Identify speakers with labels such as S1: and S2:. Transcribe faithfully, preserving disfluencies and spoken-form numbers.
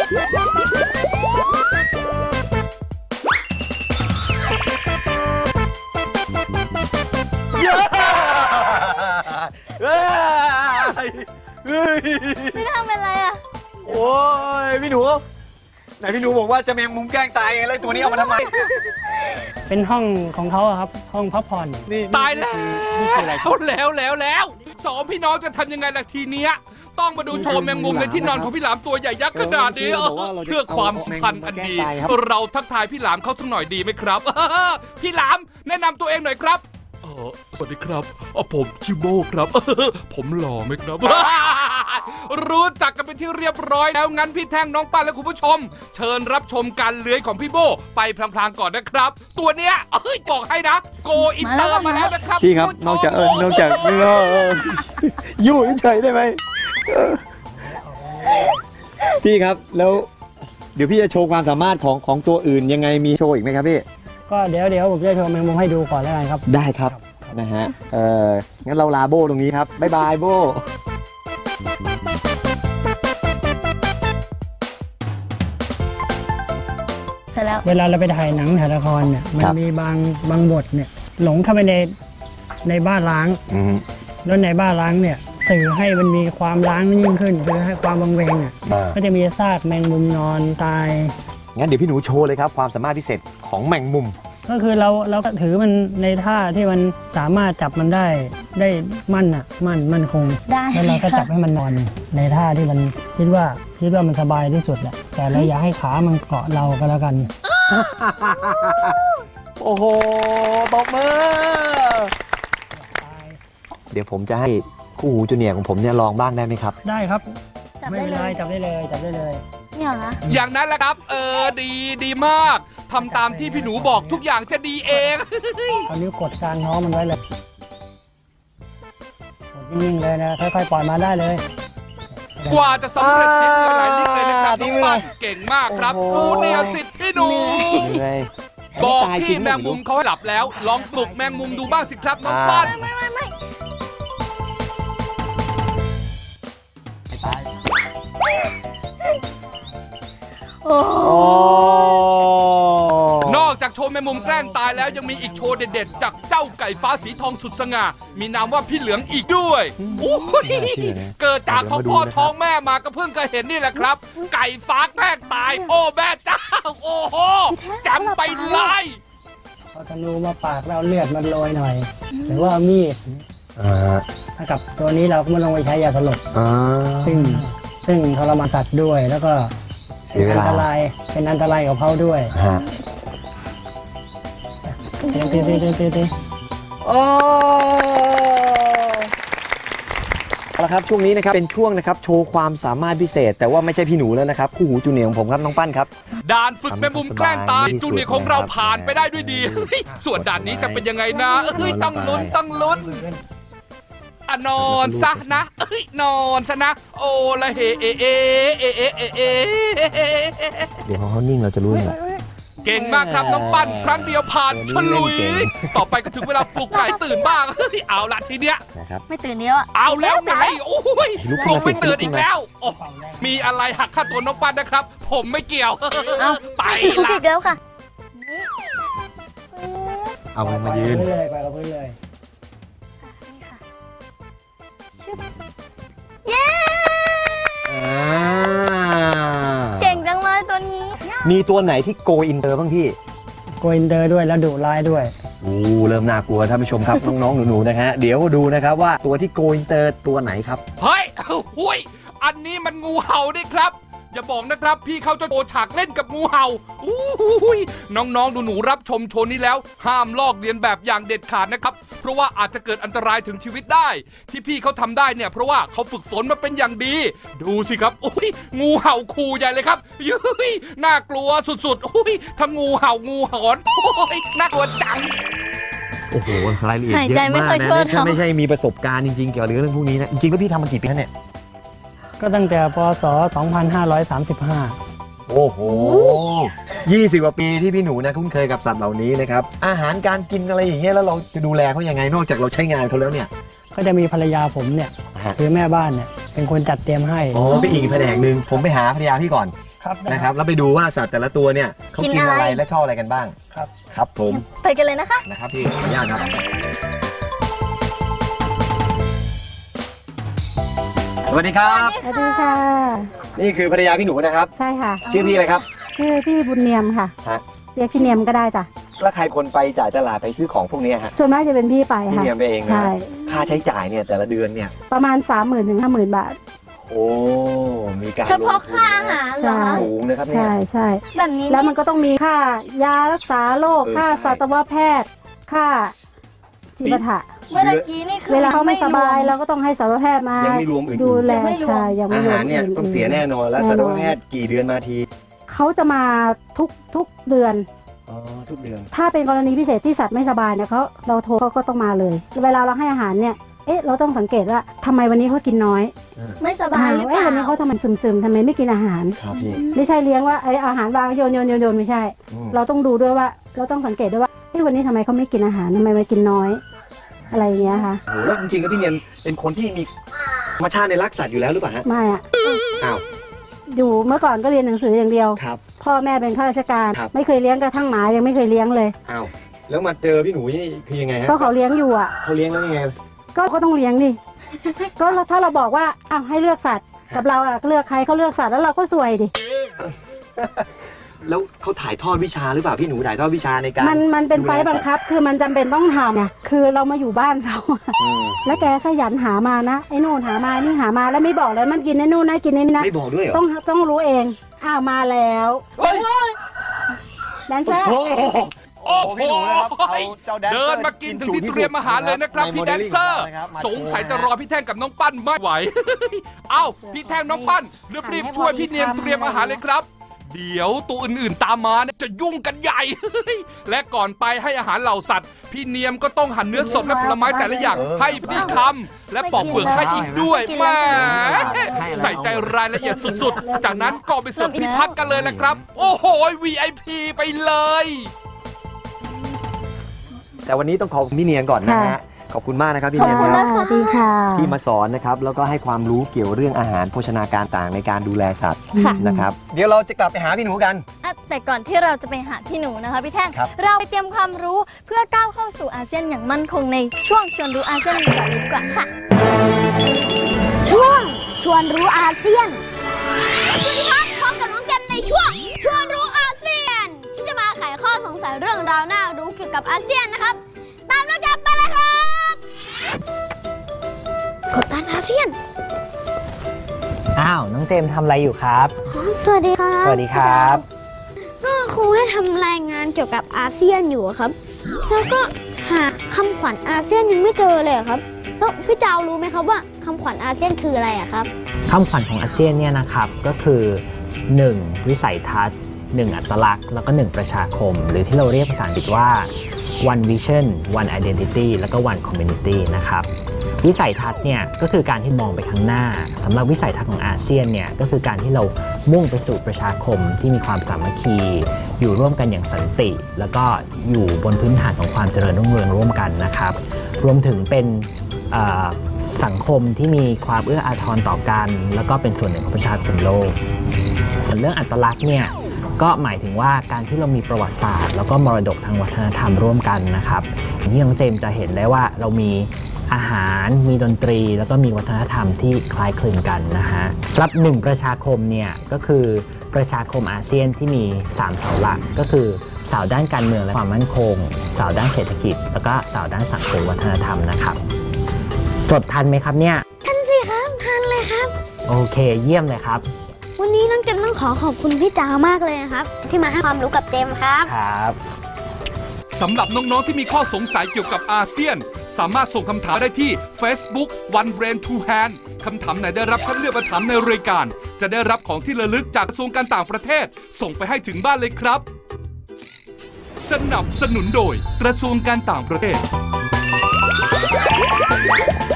S1: พี่ทำเป็นไรอ่ะ
S2: โอ้ยพี่หนูไหนพี่หนูบอกว่าจะแมงมุมแกล้งตายไงแล้วตัวนี้เอามาทำไม
S3: เป็นห้องของเขาครับห้องพักผ่อน
S4: นี่ตายแล้วแล้วแล้วแล้วสองพี่น้องจะทำยังไงล่ะทีเนี้ยต้องมาดูโชว์แมงมุมในที่นอนของพี่หลามตัวใหญ่ยักษ์ขนาดนี้เพื่อความสัมพันธ์อันดีเราทักทายพี่หลามเขาสักหน่อยดีไหมครับพี่หลามแนะนำตัวเองหน่อยครับสวัสดีครับผมชิโบครับผมหล่อไหมครับรู้จักกันเป็นที่เรียบร้อยแล้วงั้นพี่แท่งน้องป้าและคุณผู้ชมเชิญรับชมการเลื้อยของพี่โบไปพลางๆก่อนนะครับตัวเนี้ยเอ้ยบอกให้นะโกอินเตอร์มาแล้วนะครับ
S2: พี่ครับนอกจากเออนอกจากไม่ก็อยู่เฉยได้ไหมพี่ครับแล้วเดี๋ยวพี่จะโชว์ความสามารถของของตัวอื่นยังไงมีโชว์อีกไหมครับพี่
S3: ก็เดี๋ยวเดี๋ยวผมจะโชว์แมงมุมให้ดูก่อนแล้วกันครับ
S2: ได้ครับนะฮะเอองั้นเราลาโบตรงนี้ครับบ๊ายบายโบ
S1: เสร็จแล้ว
S3: เวลาเราไปถ่ายหนังถ่ายละครเนี่ยมันมีบางบางบทเนี่ยหลงเข้าไปในในบ้านล้างแล้วในบ้านล้างเนี่ยสื่อให้มันมีความล้างยิ่งขึ้นคือให้ความวังเวงอ่ะก็จะมีซากแมงมุมนอนตาย
S2: งั้นเดี๋ยวพี่หนูโชว์เลยครับความสามารถพิเศษของแมงมุม
S3: ก็คือเราเราก็ถือมันในท่าที่มันสามารถจับมันได้ได้มั่นอ่ะมั่นมั่นคงแล้วเราก็จับให้มันนอนในท่าที่มันคิดว่าคิดว่ามันสบายที่สุดแหละแต่เราอย่าให้ขามันเกาะเราก็แล้วกัน
S2: โอ้โหตบมือเดี๋ยวผมจะให้คู่หูจูเนียร์ของผมเนี่ยลองบ้างได้ไหมครับ
S3: ได้ครับไม่เป็นไรจับได้เลยจับได้เลย
S1: เนี่ยนะ
S4: อย่างนั้นแหละครับเออดีดีมากทำตามที่พี่หนูบอกทุกอย่างจะดีเอง
S3: เอานิ้วกดกลางท้องมันไว้เลยกดนิ่งๆเลยนะค่อยๆปล่อยมาได้เลย
S4: กว่าจะสำเร็จสิ้นหลายลิ้นเลยนะครับน้องปั้นเก่งมากครับจูเนียร์สิทธิ์พี่หนูบอกที่แมงมุมเขาหลับแล้วลองปลุกแมงมุมดูบ้างสิครับน้องปั้นนอกจากโชว์แมงมุมแกล้งตายแล้วยังมีอีกโชว์เด็ดๆจากเจ้าไก่ฟ้าสีทองสุดสง่ามีนามว่าพี่เหลืองอีกด้วยเกิดจากท้องพ่อท้องแม่มาก็เพิ่งเคยเห็นนี่แหละครับไก่ฟ้าแกล้งตายโอ้แม่เจ้าโอ้โหจำไปเลย
S3: พอธนูมาปากเราเลือดมันโรยหน่อยหรือว่ามีดถ้ากับตัวนี้เราก็ไม่ลงไปใช้ยาสลบซึ่งซึ่งทรมานสัตว์ด้วยแล้วก็เป็นอันตรายเป็นอันตรายกับเขาด้วยเต้นเต้นเต้นเต้นเต้น
S2: โอ้เอาละครับช่วงนี้นะครับเป็นช่วงนะครับโชว์ความสามารถพิเศษแต่ว่าไม่ใช่พี่หนูแล้วนะครับคู่หูจูเนียร์ของผมครับน้องปั้นครับ
S4: ด่านฝึกแมงมุมแกล้งตายจูเนียร์ของเราผ่านไปได้ด้วยดีส่วนด่านนี้จะเป็นยังไงนะเฮ้ยต้องลุ้นต้องลุ้นอะนอนซะนะเอ้ยนอนซะนะโอ้ละเฮเอเอเอเอเอเอ
S2: เดี๋ยวเขานิ่งเราจะรู้เลย
S4: เก่งมากครับน้องปั้นครั้งเดียวผ่านฉลุยต่อไปก็ถึงเวลาปลุกไก่ตื่นบ้างเอาละทีเนี้ย
S1: ไม่ตื่นเนี้ย
S4: เอาแล้วไงโอ้ยคงไม่ตื่นอีกแล้วมีอะไรหักค่าตัวน้องปั้นนะครับผมไม่เกี่ยวไปละ
S1: เดี๋ยวค่ะ
S2: เอาไปมายืน
S3: เลยไปกับพื้นเลย
S1: เย้เก่งจังเลยตัวนี้
S2: มีตัวไหนที่โกอินเตอร์บ้างพี่
S3: โกอินเตอร์ด้วยแล้วดุร้ายด้วย
S2: โอ้เริ่มน่ากลัวท่านผู้ชมครับน้องๆหนูๆนะฮะเดี๋ยวดูนะครับว่าตัวที่โกอินเตอร์ตัวไหนครับ
S4: เฮ้ยหุ้ยอันนี้มันงูเห่าดิครับอย่าบอกนะครับพี่เขาจะโชว์ฉากเล่นกับงูเห่าอู้ยน้องๆหนูๆรับชมโชว์นี้แล้วห้ามลอกเลียนแบบอย่างเด็ดขาดนะครับเพราะว่าอาจจะเกิดอันตรายถึงชีวิตได้ที่พี่เขาทำได้เนี่ยเพราะว่าเขาฝึกฝนมาเป็นอย่างดีดูสิครับอุ้ยงูเห่าขู่ใหญ่เลยครับยุ้ยน่ากลัวสุดๆอุ้ยทั้งงูเห่างูหอนโอ้ยน่ากลัวจัง
S2: โอ้โหรายละเอียดเยอะมากนะถ้าไม่ใช่มีประสบการณ์จริงๆเกี่ยวกับเรื่องพวกนี้นะจริงๆแล้วพี่ทำมากี่ปีแล้วเนี่ย
S3: ก็ตั้งแต่ปศสองพันห้าร้อยสามสิบห้า
S2: โอ้โหยี่สิบกว่าปีที่พี่หนูนะคุ้นเคยกับสัตว์เหล่านี้นะครับอาหารการกินอะไรอย่างเงี้ยแล้วเราจะดูแลเขายังไงนอกจากเราใช้งานเขาแล้วเนี่ย
S3: ก็จะมีภรรยาผมเนี่ยคือแม่บ้านเนี่ยเป็นคนจัดเตรียมให้
S2: โอ้ไปอีกแผนกหนึ่งผมไปหาภรรยาพี่ก่อน
S3: ครับได้
S2: นะครับแล้วไปดูว่าสัตว์แต่ละตัวเนี่ยเขากินอะไรและชอบอะไรกันบ้าง
S3: ครับ
S2: ครับผม
S1: ไปกันเลยนะคะ
S2: นะครับพี่ขออนุญาตครับสวัสดีครับ
S5: สวัสดีค่ะ
S2: นี่คือภรรยาพี่หนูนะครับ
S5: ใช่ค่ะ
S2: ชื่อพี่อะไรครับ
S5: ชื่อพี่บุญเนียมค่ะ
S2: ฮะ
S5: เรียกพี่เนียมก็ได้จ้ะ
S2: แล้วใครคนไปจ่ายตลาดไปซื้อของพวกนี้ฮะ
S5: ส่วนมากจะเป็นพี่ไป
S2: พี่
S5: ค่ะ
S2: เนียมไปเองนะ
S5: ใช่
S2: ค่าใช้จ่ายเนี่ยแต่ละเดือนเนี่ย
S5: ประมาณ สามหมื่นถึงห้าหมื่นบาท
S2: โอ้มีการ
S1: เฉพาะ
S2: ลงทุน
S1: ค่าอาหารเหรอคะ
S2: สูงนะครับเนี่ย
S5: ใช่ใช่
S1: แบบนี้
S5: แล้วมันก็ต้องมีค่ายารักษาโรค
S2: เออ
S5: ค่า
S2: ใช่
S5: สัตวแพทย์ ค่าจิปาถะ
S1: เมื่อตะกี้นี่คือ
S5: เวลาเขาไม่สบาย
S1: รว
S5: เราก็ต้องให้สัตวแพทย์มา
S2: ยังไม่รวมอื่นๆ
S5: ดูแล
S1: ยังไม่รวม
S5: ใช่ยังไม่
S2: อาร
S5: ว
S2: หาม รเนี่ยต้องเสียแน่นอนแล้ว
S5: แน่นอน
S2: สัตวแพทย์กี่เดือนมาที
S5: เขาจะมาทุกทุกเดือน
S2: อ๋อทุกเดือน
S5: ถ้าเป็นกรณีพิเศษที่สัตว์ไม่สบายเนี่ยเขาเราโทรเขาก็ต้องมาเลย เวลาเราให้อาหารเนี่ยเอ๊ะเราต้องสังเกตว่าทำไมวันนี้เขากินน้อย
S1: ไม่สบายหรือเป
S5: เอ๊ะ
S1: ล่า
S5: วันนี้เขาทำไมซึมๆทำไมไม่กินอาหาร
S2: ครับพี่
S5: ไม่ใช่เลี้ยงว่าไออาหารวางโยนโยนโยนโยนไม่ใช่
S2: อืม
S5: เราต้องดูด้วยว่า เราต้องสังเกตด้วยว่าเอ๊ะวันนี้ทำไมเขาไม่กินอาหารทำไมมากินน้อย อะไรอย่างเงี้ยค่ะ
S2: โหแล้วจริงๆแล้วพี่เนียนเป็นคนที่มีธรรมชาติในรักสัตว์อยู่แล้วหรือเปล่าฮะ
S5: ไม่อะ
S2: อ้าว
S5: อยู่เมื่อก่อนก็เรียนหนังสืออย่างเดียว
S2: ครับ
S5: พ่อแม่เป็นข้าราชการ
S2: ครับ
S5: ไม่เคยเลี้ยงกระทั่งหมายังไม่เคยเลี้ยงเลย
S2: อ้าวแล้วมาเจอพี่หนูนี่คือยังไงฮะ
S5: ก็เขาเลี้ยงอยู่อ่ะ
S2: เขาเลี้ยงแล้วยังไง
S5: ก็ก็ต้องเลี้ยงดิ ก็ถ้าเราบอกว่าอ้าวให้เลือกสัตว์กับเราอะเลือกใครเขาเลือกสัตว์แล้วเราก็ซวยดิ
S2: แล้วเขาถ่ายทอดวิชาหรือเปล่าพี่หนูถ่ายทอดวิชาในการ
S5: มันมันเป็นไฟ
S2: ดูแล
S5: บังคับ คือมันจำเป็นต้องทำเนี่ยคือเรามาอยู่บ้านเขาอะ
S2: อืม
S5: แล้วแกขยันหามานะไอ้นู่นหามานี่หามาแล้วไม่บอกเลยมันกินไอ้นู่นนะกินไอ้นี่นะ
S2: ไม่บอกด้วยเหรอ
S5: ต้องต้องรู้เองอ้าวมาแล้ว
S2: เฮ้ย
S5: แดนเซอร์
S2: โอ้โห
S4: โอ้โห
S2: พี่หนูนะครับเอาเจ้าแดนเซอร์
S4: เดินมากินถึงที่เตรียมอาหารเลยนะครับ
S2: ใน
S4: พี่
S2: โม
S4: แด
S2: เดล
S4: น
S2: ลิ่ง
S4: เซอร์
S2: ของเรานะครับมา
S4: สงสัยจะรอพี่แท่งกับน้องปั้นไม่ไหว เอ้าพี่แท่งน้องปั้นรีบๆช่วยพี่เนียนเตรียมอาหารเลยครับ เดี๋ยวตัวอื่นๆตามมาเนี่ยจะยุ่งกันใหญ่ และก่อนไปให้อาหารเหล่าสัตว์ พี่เนียมก็ต้องหั่นเนื้อสดและผลไม้แต่ละอย่างให้พี่คำและปอกเปลือกให้อีกด้วยแหม่ใส่ใจรายละเอียดสุดๆ จากนั้นก็ไปเสิร์ฟที่พักกันเลยแหละครับ โอ้โห วี ไอ พี ไปเลย
S2: แต่วันนี้ต้องขอบคุณพี่เนียนก่อนนะฮะขอบคุณมากนะครับพี่เนียน
S5: ค่ะ
S2: ครับ
S5: สวัสดีค่ะ
S2: ที่มาสอนนะครับแล้วก็ให้ความรู้เกี่ยวเรื่องอาหารโภชนาการต่างในการดูแลสัตว์
S1: ค่ะ
S2: นะครับเดี๋ยวเราจะกลับไปหาพี่หนูกัน
S1: อ่ะแต่ก่อนที่เราจะไปหาพี่หนูนะคะพี่แท่ง
S2: ครับ
S1: เราไปเตรียมความรู้เพื่อก้าวเข้าสู่อาเซียนอย่างมั่นคงในช่วงชวนรู้อาเซียนกันเลยดีกว่าค่ะ
S6: ช่วงชวนรู้อาเซียน สวัสดีครับพบกับน้องเจมในช่วงชวนรู้อาเซียน ที่จะมาไขข้อสงสัยเรื่องราวน่ารู้เกี่ยวกับอาเซียนนะครับ ตามน้องเจมไปเลยครับกดดันอาเซียน
S7: อ้าวน้องเจมส์ทำอะไรอยู่ครับ
S6: สวัสดีครับ
S7: สวัสดีครับ
S6: ก็ครูให้ทำรายงานเกี่ยวกับอาเซียนอยู่ครับ แล้วก็หาคำขวัญอาเซียนยังไม่เจอเลยครับแล้วพี่เจ้ารู้ไหมครับว่าคำขวัญอาเซียนคืออะไรอะครับ
S7: คำขวัญของอาเซียนเนี่ยนะครับก็คือ หนึ่ง วิสัยทัศน์ หนึ่ง อัตลักษณ์แล้วก็ หนึ่ง ประชาคม หรือที่เราเรียกภาษาอังกฤษว่า one vision one identity แล้วก็ one community นะครับวิสัยทัศน์เนี่ยก็คือการที่มองไปข้างหน้าสำหรับวิสัยทัศน์ของอาเซียนเนี่ยก็คือการที่เรามุ่งไปสู่ประชาคมที่มีความสามัคคีอยู่ร่วมกันอย่างสันติ แล้วก็อยู่บนพื้นฐานของความเจริญรุ่งเรืองร่วมกันนะครับรวมถึงเป็นสังคมที่มีความเอื้ออาทรต่อกันแล้วก็เป็นส่วนหนึ่งของประชาคมโลกส่วนเรื่องอัตลักษณ์เนี่ยก็หมายถึงว่าการที่เรามีประวัติศาสตร์แล้วก็มรดกทางวัฒนธรรมร่วมกันนะครับที่น้องเจมส์จะเห็นได้ว่าเรามีอาหารมีดนตรีแล้วก็มีวัฒนธรรมที่คล้ายคลึงกันนะฮะรับหนึ่งประชาคมเนี่ยก็คือประชาคมอาเซียนที่มีสามเสาหลักก็คือเสาด้านการเมืองและความมั่นคงเสาด้านเศรษฐกิจแล้วก็เสาด้านสังคมวัฒนธรรมนะครับจดทันไหมครับเนี่ย
S6: ทันสิครับทันเลยครับ
S7: โอเคเยี่ยมเลยครับ
S6: วันนี้น้องเจมต้องขอขอบคุณพี่จ๋ามากเลยนะครับที่มาให้ความรู้กับเจมครับ
S7: ครับ
S4: สำหรับน้องๆที่มีข้อสงสัยเกี่ยวกับอาเซียนสามารถส่งคำถามได้ที่ Facebook One Brain Two Hand คำถามไหนได้รับคัดเลือกมาถามในรายการจะได้รับของที่ระลึกจากกระทรวงการต่างประเทศส่งไปให้ถึงบ้านเลยครับสนับสนุนโดยกระทรวงการต่างประเทศ